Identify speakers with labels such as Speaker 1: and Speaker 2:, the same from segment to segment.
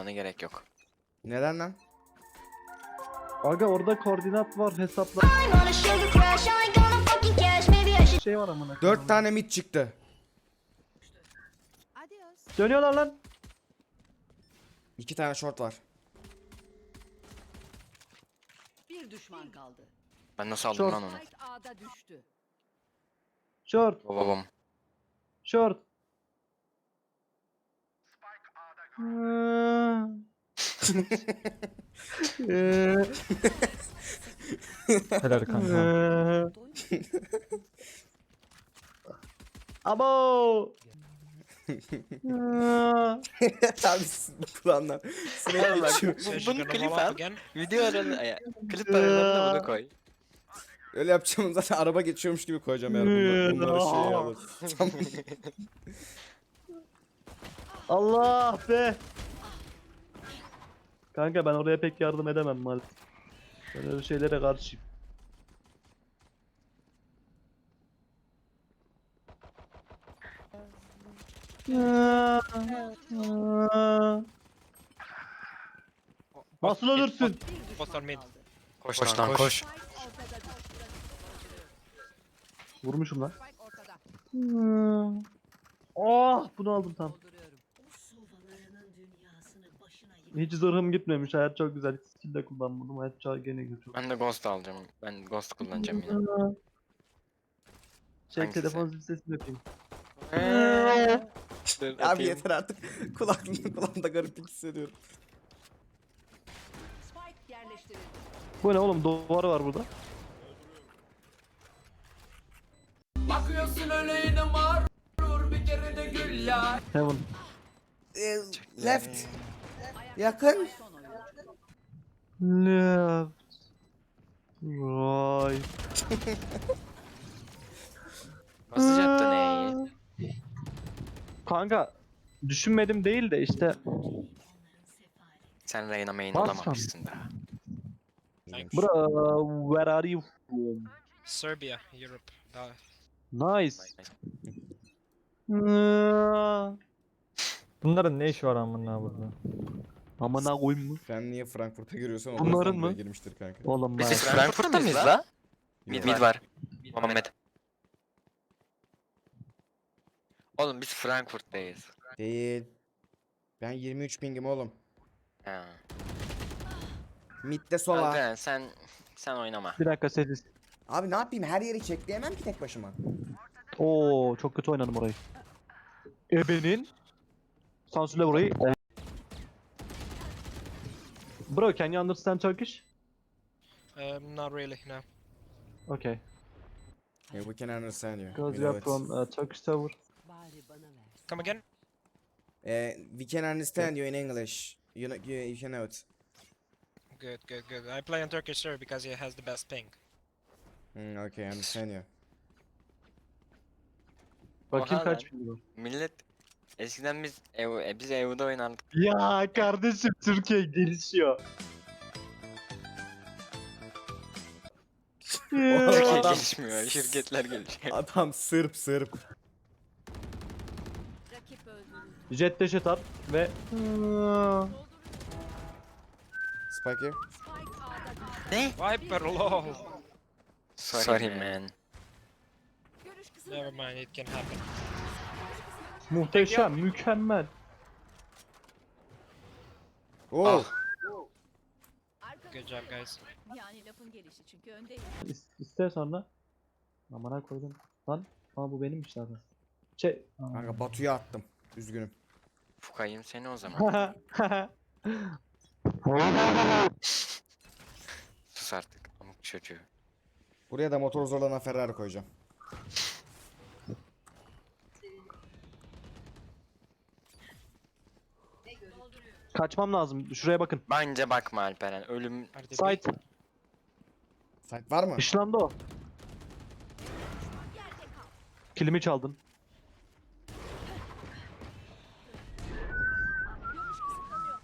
Speaker 1: yapmana gerek yok.
Speaker 2: Neden lan?
Speaker 3: Aga orada koordinat var, hesaplar. Şey var amına.
Speaker 2: 4 tane mid çıktı.
Speaker 3: Dönüyorlar lan.
Speaker 2: 2 tane short var.
Speaker 4: Bir düşman kaldı.
Speaker 1: Ben nasıl aldım
Speaker 3: Çok.
Speaker 1: lan onu?
Speaker 4: Spike A'da düştü.
Speaker 3: Short,
Speaker 1: Babam.
Speaker 3: short.
Speaker 5: Helal kanka.
Speaker 3: Abo.
Speaker 2: Abi bu kulağından. Sürekli geçiyor.
Speaker 1: Bunu klip al. Video aralarına, klip aralarına bunu koy.
Speaker 2: Öyle yapacağım zaten, araba geçiyormuş gibi koyacağım eğer bunları şey alır. Tamam.
Speaker 3: Allah be. Kanka ben oraya pek yardım edemem maalesef. Ben öyle şeylere karşıyım. Nasıl ölürsün?
Speaker 4: Bir düşman kaldı.
Speaker 1: Koş lan koş.
Speaker 4: Spike ortada düştü.
Speaker 3: Vurmuşum lan.
Speaker 4: Spike ortada.
Speaker 3: Oh, bunu aldım tam.
Speaker 4: Dolduruyorum.
Speaker 3: Hiç zırhım gitmemiş. Hayat çok güzel. Hiç skill de kullanmadım. Hayat çok gene götürdü.
Speaker 1: Ben de Ghost alacağım. Ben Ghost kullanacağım yine.
Speaker 3: Şey,
Speaker 1: Hangisi?
Speaker 3: telefon zil sesini yapayım.
Speaker 1: Dur,
Speaker 2: Abi
Speaker 1: atayım.
Speaker 2: yeter artık. Kulağımda gariplik hissediyorum.
Speaker 4: Spike yerleştirildi.
Speaker 3: Bu ne oğlum, duvarı var burada.
Speaker 6: Bakıyorsun öyle yine mağrur bir kere de gül ya.
Speaker 3: Heaven.
Speaker 2: Left. Yakın.
Speaker 4: Son oyuncu.
Speaker 3: Left. Right.
Speaker 1: Basacaktın E'yi.
Speaker 3: Kanka düşünmedim değil de işte.
Speaker 1: Sen Reyna main
Speaker 3: Basma.
Speaker 1: olamamışsın daha.
Speaker 3: Bro, where are you from?
Speaker 7: Serbia, Europe.
Speaker 3: Nice.
Speaker 5: Bunların ne işi var amına burada?
Speaker 3: Amına koyayım mı?
Speaker 2: Sen niye Frankfurt'a giriyorsan o
Speaker 3: Bunların
Speaker 2: yüzden buraya
Speaker 3: mı?
Speaker 2: girmiştir kanka.
Speaker 3: Oğlum ben.
Speaker 1: Biz Frankfurt'ta mıyız la? Mid var. Muhammed. Oğlum biz Frankfurt'tayız.
Speaker 2: Değil. Ben 23 pingim oğlum.
Speaker 1: Ha.
Speaker 2: Mid'de sola.
Speaker 1: Kanka sen oynama.
Speaker 3: Bir dakika sessiz.
Speaker 2: Abi ne yapayım, her yeri çekleyemem ki tek başıma.
Speaker 3: Oo, çok kötü oynadım orayı. Ebenin. Sansürle burayı. Bro, can you understand Turkish?
Speaker 7: Not really, no.
Speaker 3: Okay.
Speaker 2: Yeah, we can understand you.
Speaker 3: Because
Speaker 2: We
Speaker 3: you are
Speaker 2: know it.
Speaker 3: from Turkish server.
Speaker 4: Bari bana ver.
Speaker 7: Come again?
Speaker 2: We can understand you in English. You can know it.
Speaker 7: Good, good, good. I play on Turkish server because he has the best ping.
Speaker 2: Okay, I understand you.
Speaker 3: Bakayım
Speaker 1: Oha
Speaker 3: kaç
Speaker 1: lan.
Speaker 3: ping var.
Speaker 1: Millet eskiden biz EV'de oynardık.
Speaker 3: Ya kardeşim, Türkiye gelişiyor.
Speaker 1: Türkiye
Speaker 2: Adam-
Speaker 1: gelişmiyor, şirketler gelişiyor.
Speaker 2: Adam Sırp.
Speaker 4: Rakip öldürüldü.
Speaker 3: Jet dash atar ve
Speaker 2: Spike here.
Speaker 4: Spike A'da düştü.
Speaker 1: Ne?
Speaker 7: Viper, lol.
Speaker 1: Sorry man.
Speaker 4: Görüş kısıtlanıyor.
Speaker 7: Never mind, it can happen.
Speaker 3: muhteşem, mükemmel.
Speaker 2: Oh.
Speaker 4: Arkadaşlar,
Speaker 7: Good job, guys.
Speaker 4: yani lafın gelişi çünkü öndeyim.
Speaker 3: İste sonra. Amına koydum. Lan, ama bu benimmiş zaten. Şey.
Speaker 2: Kanka Batu'ya attım. Üzgünüm.
Speaker 1: Fukayım seni o zaman. Sus artık amık çocuğu.
Speaker 2: Buraya da motor zorlanan Ferrari koyacağım.
Speaker 3: Kaçmam lazım. Şuraya bakın.
Speaker 1: Bence bakma Alperen, ölüm
Speaker 7: Are they
Speaker 3: Site.
Speaker 2: Site var mı?
Speaker 3: Işlandı o. Kilimi çaldın.
Speaker 4: Görüş kısıtlanıyor.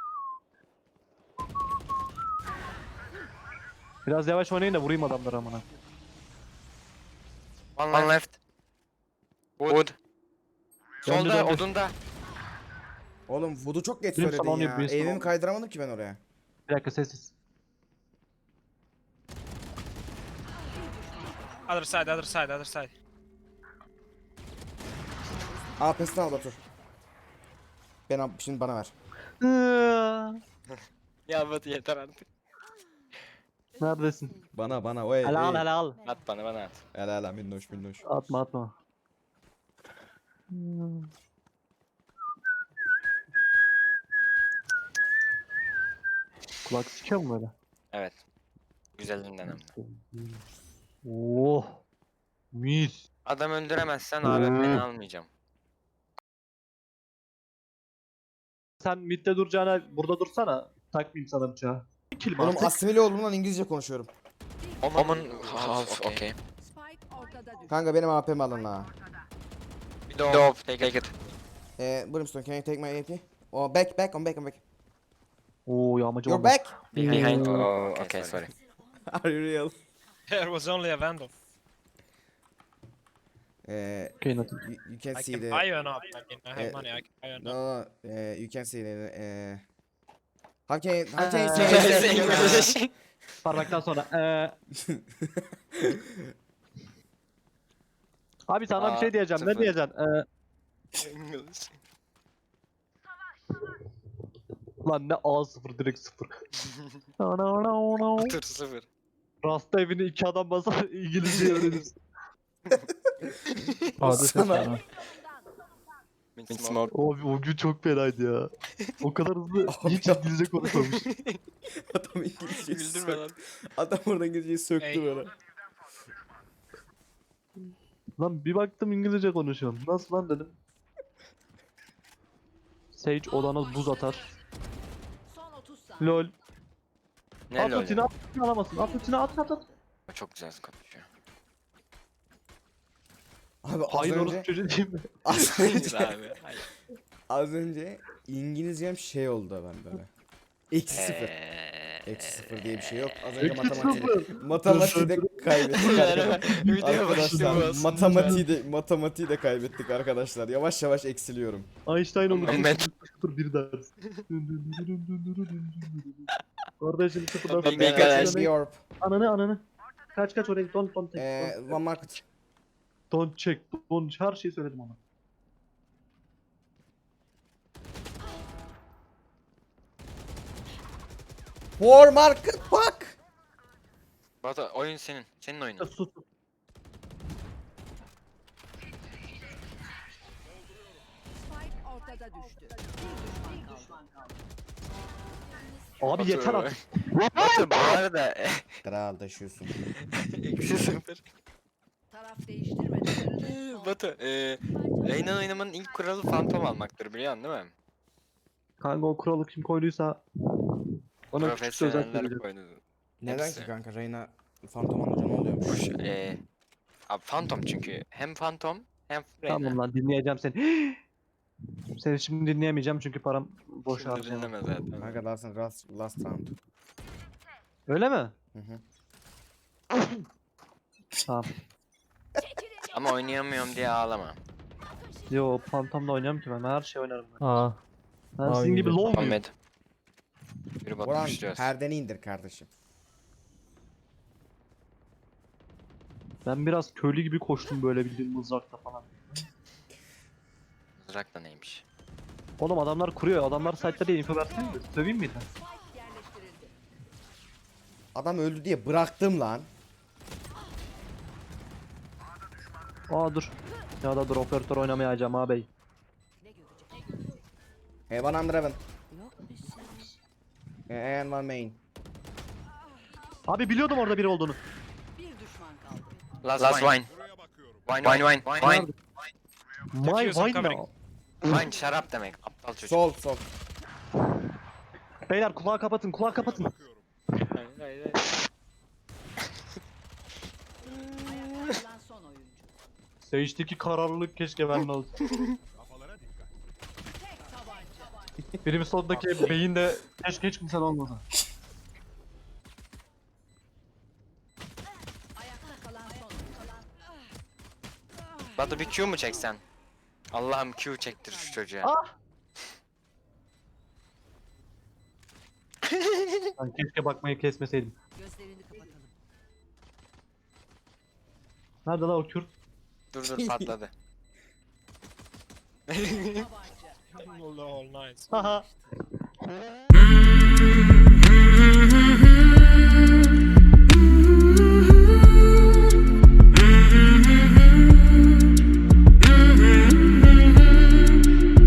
Speaker 3: Biraz yavaş oynayın da vurayım adamları amına.
Speaker 1: One left. Wood.
Speaker 3: Döndü,
Speaker 1: Solda
Speaker 3: döndü.
Speaker 1: odunda.
Speaker 2: Oğlum Voodoo çok geç
Speaker 3: Benim
Speaker 2: söyledin
Speaker 3: salon
Speaker 2: ya.
Speaker 3: yapıyor,
Speaker 2: Evimi
Speaker 3: salon.
Speaker 2: kaydıramadım ki ben oraya.
Speaker 3: Bir dakika sessiz.
Speaker 7: Other side, other side, other side.
Speaker 2: AP'sini al Batur. Şimdi bana ver.
Speaker 1: Ya Batu yeter artık.
Speaker 3: Neredesin?
Speaker 2: Bana oy.
Speaker 3: Helal
Speaker 2: ey.
Speaker 3: helal.
Speaker 1: At bana at.
Speaker 2: Helal minnoş minnoş.
Speaker 3: Atma atma. Kulak sikiyor mu böyle?
Speaker 1: Evet. Güzelinden hem de.
Speaker 3: Oh. Mis.
Speaker 1: Adam öldüremezsen AWP'ni almayacağım.
Speaker 3: Sen midde duracağına burada dursana. Takmayayım sana bıçağı. Kill mi
Speaker 2: Oğlum
Speaker 3: artık?
Speaker 2: asimile oldum lan İngilizce konuşuyorum.
Speaker 1: Omen half okay.
Speaker 4: Spike ortada düştü.
Speaker 2: Kanka benim AP'mi alın ha.
Speaker 1: Dove, take it.
Speaker 2: Brimstone can you take my AP? Oh back on back.
Speaker 3: Oo yağmacı
Speaker 2: You're
Speaker 3: oldu.
Speaker 2: back?
Speaker 1: Behind. Oh, okay, sorry.
Speaker 2: Are you real?
Speaker 7: There was only a Vandal.
Speaker 3: Okay, nothing.
Speaker 2: You can
Speaker 7: I
Speaker 2: see
Speaker 7: can
Speaker 2: the...
Speaker 7: buy you an op. I mean, I have
Speaker 2: Eh,
Speaker 7: money. I can buy you an op.
Speaker 2: No, you can see the... How can you
Speaker 1: Say
Speaker 2: say
Speaker 1: English.
Speaker 3: Parmaktan sonra. Abi sana bir şey diyeceğim. Ne
Speaker 1: sıfır.
Speaker 3: diyeceksin?
Speaker 1: English.
Speaker 3: Lan ne A0 direkt 0.
Speaker 1: Dur 0.
Speaker 3: Rasta evini 2 adam basar İngilizce öğrenirsin.
Speaker 5: A'da ses
Speaker 2: Sana-
Speaker 5: var ha.
Speaker 1: Mid smoke.
Speaker 3: O gün çok fenaydı ya. O kadar hızlı hiç İngilizce konuşmamış.
Speaker 2: Adam İngilizceyi
Speaker 1: Güldürme lan.
Speaker 2: Adam orada İngilizceyi söktü
Speaker 7: Ey.
Speaker 2: böyle.
Speaker 3: Lan bir baktım İngilizce konuşuyorsun. Nasıl lan dedim. Sage odana buz atar.
Speaker 4: Son 30 saniye.
Speaker 3: Lol.
Speaker 1: Ne
Speaker 3: At
Speaker 1: lol
Speaker 3: ultini
Speaker 1: ya?
Speaker 3: at ultini alamazsın. At ultini at.
Speaker 1: O çok güzel konuşuyor.
Speaker 2: Abi
Speaker 3: Hayır orası çocuğu değil mi?
Speaker 2: az önce,
Speaker 1: Hayır abi. Hayır.
Speaker 2: az önce İngilizcem şey oldu ben böyle. Eksi sıfır. Eksi sıfır diye bir şey yok. Az önce
Speaker 3: Eksi
Speaker 2: matematiği de kaybettik arkadaşlar.
Speaker 1: Video başlıyor
Speaker 2: Arkadaşlar matematiği de kaybettik arkadaşlar. Yavaş yavaş eksiliyorum.
Speaker 3: Einstein olur.
Speaker 1: Ben-
Speaker 3: Sıfır bir ders. Kardeşim sıfırdan
Speaker 1: Ben-
Speaker 3: sonra.
Speaker 1: ben-
Speaker 2: Catch the orb.
Speaker 3: Ananı. Kaç oraya don't take.
Speaker 2: One market.
Speaker 3: Don't check. Don't her şeyi söyledim ona.
Speaker 2: War market bak.
Speaker 1: Batu oyun senin. Senin oyunun.
Speaker 3: Sus.
Speaker 4: Spike ortada düştü. Bir düşman kaldı.
Speaker 3: Abi
Speaker 1: Batu-
Speaker 3: yeter artık.
Speaker 1: Batu bu arada
Speaker 2: Kral taşıyorsun.
Speaker 1: eksi 0.
Speaker 4: Taraf değiştirmeden.
Speaker 1: Batu Reyna oynamanın ilk kuralı fantom almaktır biliyorsun değil mi?
Speaker 3: Kanka o kuralı kim koyduysa ona küçük söz
Speaker 1: Profesyoneller
Speaker 3: vereceğim.
Speaker 1: koydu.
Speaker 2: Neden
Speaker 1: Hepsi.
Speaker 2: ki kanka Reyna Phantom alınca ne oluyormuş?
Speaker 1: Kuş abi fantom çünkü hem fantom hem Reyna.
Speaker 3: Tamam lan dinleyeceğim seni. Seni şimdi dinleyemeyeceğim çünkü param boş
Speaker 1: Şimdi
Speaker 3: harcayamam.
Speaker 1: dinleme zaten.
Speaker 2: Kanka last round.
Speaker 3: Öyle mi?
Speaker 2: Hı hı.
Speaker 3: Tamam.
Speaker 1: Ama oynayamıyorum diye ağlama.
Speaker 3: Yo Phantom'da oynamam ki ben her şey oynarım ben.
Speaker 5: A.
Speaker 3: Ben
Speaker 5: Aa,
Speaker 3: sizin gibi
Speaker 5: iyi.
Speaker 3: low muyum?
Speaker 1: Ahmed. Bir
Speaker 2: Boran
Speaker 1: batmışacağız.
Speaker 2: perdeni indir kardeşim.
Speaker 3: Ben biraz köylü gibi koştum böyle bildiğin mızrakta falan.
Speaker 1: Mızrak da neymiş?
Speaker 3: Oğlum adamlar kuruyor. Adamlar site'de değil info versene de. Söveyim miydi?
Speaker 4: Spike yerleştirildi.
Speaker 2: Adam öldü diye bıraktım lan.
Speaker 3: Aa dur. Ya da dur operatör oynamayacağım ağabey.
Speaker 4: Ne görecek?
Speaker 2: Hey one under heaven.
Speaker 4: Yok bir şey.
Speaker 2: And one main.
Speaker 3: Abi biliyordum orada biri olduğunu.
Speaker 4: Bir düşman kaldı.
Speaker 1: Last wine. Wine.
Speaker 3: My
Speaker 7: Diffuse, I'm
Speaker 3: wine
Speaker 7: covering.
Speaker 3: now.
Speaker 1: Wine şarap demek. Aptal çocuk.
Speaker 2: Sol.
Speaker 3: Beyler kulağı kapatın kapatın.
Speaker 4: Ayakta kalan son oyuncu.
Speaker 3: Sage'deki kararlılık keşke bende olsun.
Speaker 4: Tek tabanca.
Speaker 3: Benim sondaki beyin de keşke hiç kimsen olmasa.
Speaker 4: Ayakta kalan son oyuncu.
Speaker 1: Batu bir Q mu çeksen? Allah'ım Q çektir şu çocuğa.
Speaker 3: Ah! Ben keşke bakmayı kesmeseydim.
Speaker 4: Gözlerini kapatalım.
Speaker 3: Nerede lan o Kürt?
Speaker 1: Dur patladı.
Speaker 4: Tabanca.
Speaker 7: Lol, nice.
Speaker 3: Haha.